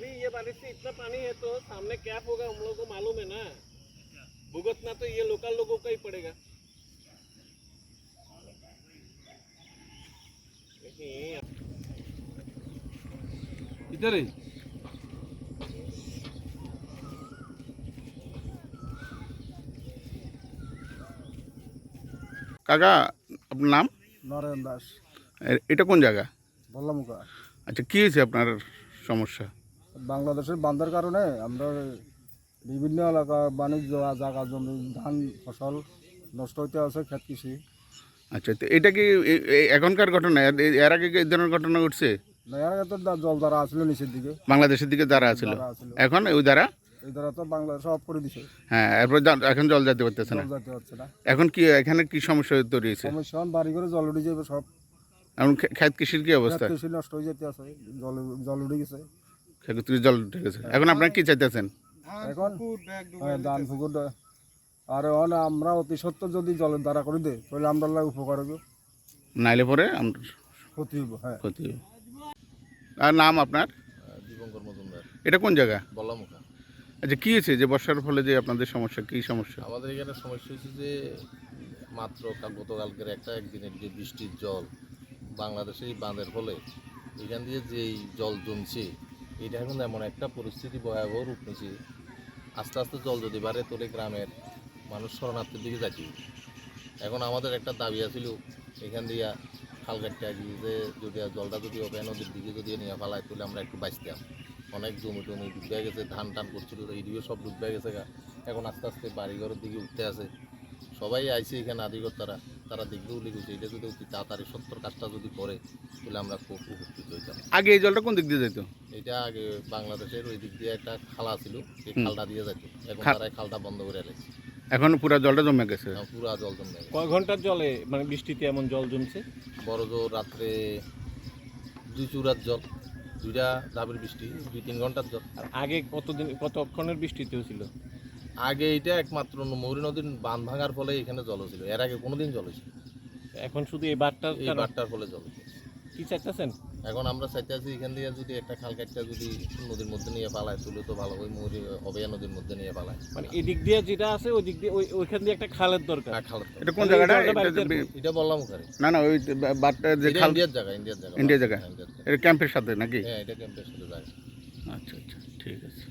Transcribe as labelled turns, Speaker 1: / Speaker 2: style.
Speaker 1: ये बारिश से इतना पानी है तो सामने क्या होगा हम लोगों को मालूम है ना। भुगतना तो ये लोकल लोगों का ही पड़ेगा। इधर ही
Speaker 2: কাকা আপনার নাম?
Speaker 3: নরেন দাস,
Speaker 2: এটা কোন জায়গা?
Speaker 3: বল্লামুখা।
Speaker 2: আচ্ছা, কী হয়েছে আপনার সমস্যা?
Speaker 3: বাংলাদেশের বান্ধার কারণে আমরা বিভিন্ন এলাকা বাণিজ্য জায়গা জমি ধান ফসল নষ্ট হইতে আছে, ক্ষেত কৃষি।
Speaker 2: আচ্ছা, তো এটা কি এখনকার ঘটনা? এর আগে কি এই ধরনের ঘটনা ঘটছে?
Speaker 3: না, এর আগে তো জল দ্বারা আসলো নিচের দিকে,
Speaker 2: বাংলাদেশের দিকে দ্বারা ছিল,
Speaker 3: দ্বারা আসলো।
Speaker 2: এখন ওই দ্বারা
Speaker 3: এই দ্বারা তো বাংলাদেশ অফ করে দিছে,
Speaker 2: হ্যাঁ, এরপর এখন জল যেতে পারতেছে না।
Speaker 3: জল যেতে হচ্ছে না।
Speaker 2: এখন কি এখানে কি সমস্যা তৈরি হয়েছে?
Speaker 3: সমস্যা বাড়ি করে জল উঠে যাবে, সব
Speaker 2: এখন ক্ষেত কৃষির কি অবস্থা?
Speaker 3: ক্ষেত কৃষি নষ্ট হয়ে যেতে আছে, জল উঠে গেছে।
Speaker 2: ক্ষেত কৃষি জল উঠে গেছে। এখন আপনারা কি চাইতেছেন?
Speaker 3: এখন ধান পুকুর আর আমরা অতি সত্ত্বর যদি জলের দ্বারা করে দেয় তাহলে আমরা উপকার হবে,
Speaker 2: নাইলে পরে আমরা
Speaker 3: ক্ষতি হইব। হ্যাঁ,
Speaker 2: ক্ষতি হবে। আর নাম আপনার?
Speaker 4: দীপঙ্কর মজুমদার,
Speaker 2: এটা কোন জায়গা?
Speaker 4: বল্লামুখা।
Speaker 2: আচ্ছা, কী হয়েছে যে বর্ষার ফলে যে আপনাদের সমস্যা, কী সমস্যা?
Speaker 4: আমাদের এখানে সমস্যা হচ্ছে যে মাত্র গতকালকের একদিনের যে বৃষ্টির জল বাংলাদেশে এই বাঁধের ফলে এখান দিয়ে যেই জল জমছে, এটা এখন এমন একটা পরিস্থিতি ভয়াবহ রূপ নিচ্ছে। আস্তে আস্তে জল যদি বাড়ে তাহলে গ্রামের মানুষ শরণার্থীর দিকে যাচ্ছে। এখন আমাদের একটা দাবি আছিল এখান দিয়ে খাল কাটতে আগে যে যদি জলটা যদি অভয় নদীর দিকে যদি নিয়ে ফেলায় তাহলে আমরা একটু বাঁচতাম। অনেক জমি টমি ডুবে গেছে, ধান টান করছিল, এইদিকে সব ডুবে গেছে। এখন আস্তে আস্তে বাড়িঘরের দিকে উঠতে আছে। সবাই আইছে এখানে আদিকর্তারা, তারা দেখবে উল্লেখ করছে এটা যদি অতি তাড়াতাড়ি সত্তর কাজটা যদি করে তাহলে আমরা খুব উপকৃত হইতাম।
Speaker 2: আগে এই জলটা কোন দিক দিয়ে যেত?
Speaker 4: এটা আগে বাংলাদেশের ওই দিক দিয়ে একটা খালা ছিল, সেই খালটা দিয়ে যেত। এখন তারা খালটা বন্ধ করে এলেছে,
Speaker 2: এখন পুরো জলটা জমে গেছে।
Speaker 4: পুরা জল জমে গেছে।
Speaker 1: কয় ঘন্টার জলে মানে বৃষ্টিতে এমন জল জমছে?
Speaker 4: বড় জোর রাত্রে 2 চুরার জল, 2টা ধাপের বৃষ্টি, 2-3 ঘন্টার জল।
Speaker 1: আর আগে কতক্ষণের বৃষ্টিতেও ছিল?
Speaker 4: আগে এটা একমাত্র মৌরী নদীর বাঁধ ভাঙার ফলে এখানে জল ছিল, এর আগে কোনোদিন জল ছিল।
Speaker 1: এখন শুধু এই বারটার
Speaker 4: এই বারটার ফলে জল হয়েছে।
Speaker 1: কি চাইতেছেন?
Speaker 4: এখন আমরা চাইতে আছি এখান দিয়ে যদি একটা খাল কাটটা যদি নদীর মধ্যে নিয়ে পালায় তুলে তো ভালো, ওই মৌরি অবেয়া নদীর মধ্যে নিয়ে পালায়।
Speaker 1: মানে এদিক দিয়ে যেটা আছে ওই দিক দিয়ে ওইখান দিয়ে একটা খালের দরকার।
Speaker 4: খাল
Speaker 2: এটা কোন জায়গাটা?
Speaker 4: এটা বললাম ওখানে
Speaker 2: না না, ওই বাটটা যে খাল,
Speaker 4: ইন্ডিয়ার জায়গা, ইন্ডিয়ার জায়গা,
Speaker 2: ইন্ডিয়া জায়গা, এটা ক্যাম্পের সাথে নাকি?
Speaker 4: হ্যাঁ, এটা ক্যাম্পের সাথে জায়গা।
Speaker 2: আচ্ছা আচ্ছা, ঠিক আছে।